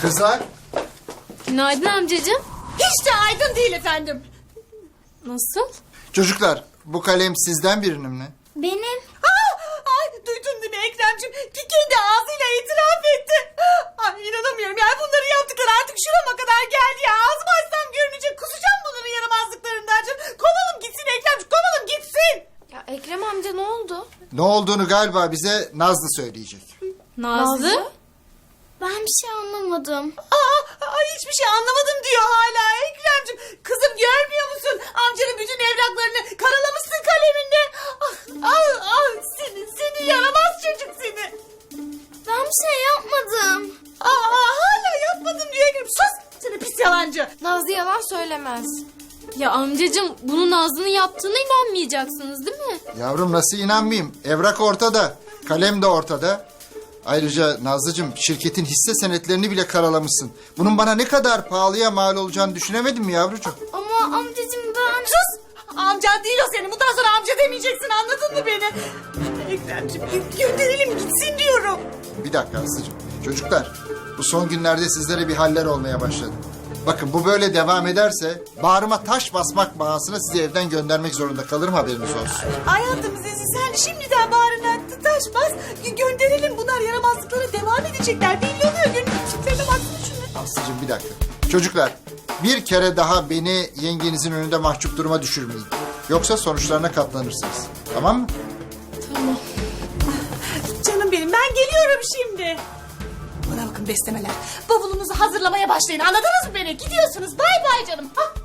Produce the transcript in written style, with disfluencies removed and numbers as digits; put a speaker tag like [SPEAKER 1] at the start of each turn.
[SPEAKER 1] Kızlar.
[SPEAKER 2] Günaydın amcacığım.
[SPEAKER 3] Hiç de aydın değil efendim.
[SPEAKER 2] Nasıl?
[SPEAKER 1] Çocuklar, bu kalem sizden birinin mi?
[SPEAKER 4] Benim.
[SPEAKER 3] Ay duydun değil mi Ekrem'cim? Kendi ağzıyla itiraf etti. Ay inanamıyorum yani bunları yaptıkları artık şurama kadar geldi ya. Ağzımı açsam görünecek, kusacağım bunların yaramazlıklarından canım. Kovalım gitsin Ekrem'cim, kovalım gitsin.
[SPEAKER 2] Ya Ekrem amca ne oldu?
[SPEAKER 1] Ne olduğunu galiba bize Nazlı söyleyecek.
[SPEAKER 2] Nazlı?
[SPEAKER 4] Ben bir şey anlamadım.
[SPEAKER 3] Ay hiçbir şey anlamadım diyor hala Ekrem'cim. Kızım görmüyor musun? Amcanın bütün evraklarını karalamışsın kaleminde. Seni yaramaz çocuk seni.
[SPEAKER 4] Ben bir şey yapmadım.
[SPEAKER 3] Hala yapmadım diyor Ekrem. Sus seni pis yalancı.
[SPEAKER 2] Nazlı yalan söylemez. Ya amcacığım bunu Nazlı'nın yaptığına inanmayacaksınız değil mi?
[SPEAKER 1] Yavrum nasıl inanmayayım? Evrak ortada, kalem de ortada. Ayrıca Nazlıcığım şirketin hisse senetlerini bile karalamışsın. Bunun bana ne kadar pahalıya mal olacağını düşünemedin mi yavrucuğum?
[SPEAKER 4] Ama amcacığım ben...
[SPEAKER 3] Sus! Amcan değil o senin. Bundan sonra amca demeyeceksin anladın mı beni? Ekrem'cim gönderelim gitsin diyorum.
[SPEAKER 1] Bir dakika Aslı'cığım. Çocuklar, bu son günlerde sizlere bir haller olmaya başladı. Bakın bu böyle devam ederse bağrıma taş basmak bahasına sizi evden göndermek zorunda kalırım, haberiniz olsun.
[SPEAKER 3] Hayatım sen şimdiden bağrına taş bas. Gönderelim bunlar yaramazlıklara devam edecekler. Belli oluyor gönül çiftlerine baksana şuna.
[SPEAKER 1] Aslı'cığım bir dakika. Çocuklar, bir kere daha beni yengenizin önünde mahcup duruma düşürmeyin. Yoksa sonuçlarına katlanırsınız. Tamam mı?
[SPEAKER 3] Canım benim ben geliyorum şimdi. Bana bakın beslemeler. Bavulunuzu hazırlamaya başlayın. Anladınız mı beni? Gidiyorsunuz. Bay bay canım. Ha?